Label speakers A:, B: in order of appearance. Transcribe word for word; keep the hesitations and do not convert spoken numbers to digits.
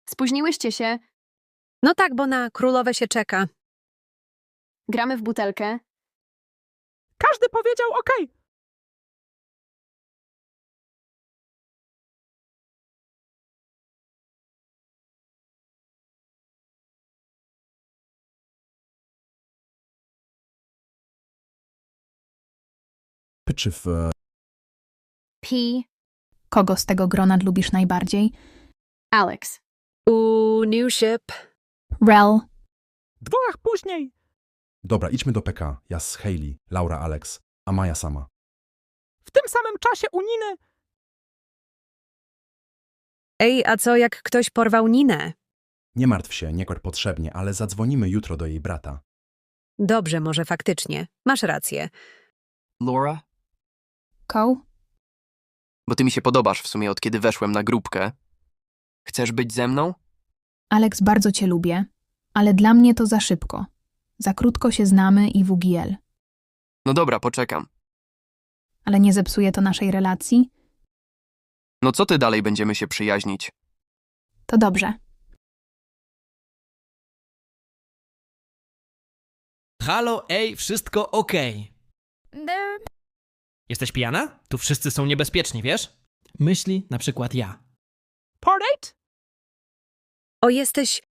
A: Spóźniłyście się.
B: No tak, bo na królowe się czeka.
A: Gramy w butelkę.
C: Każdy powiedział okej.
D: Czy w... e,
A: P.
E: Kogo z tego grona lubisz najbardziej?
A: Alex.
B: Uuu, new ship.
E: Rel.
C: Dworach później.
D: Dobra, idźmy do P K. Ja z Hailey, Laura Alex, a Maja sama.
C: W tym samym czasie u Niny.
B: Ej, a co jak ktoś porwał Ninę?
D: Nie martw się, nie kładź potrzebnie, ale zadzwonimy jutro do jej brata.
B: Dobrze, może faktycznie. Masz rację.
F: Laura?
E: Cole?
F: Bo ty mi się podobasz w sumie od kiedy weszłem na grupkę. Chcesz być ze mną?
E: Alex, bardzo cię lubię, ale dla mnie to za szybko. Za krótko się znamy i W G L.
F: No dobra, poczekam.
E: Ale nie zepsuje to naszej relacji?
F: No co ty dalej będziemy się przyjaźnić?
E: To dobrze.
G: Halo, ej, wszystko okej. Jesteś pijana? Tu wszyscy są niebezpieczni, wiesz? Myśli, na przykład ja.
C: Portrait?
B: O, jesteś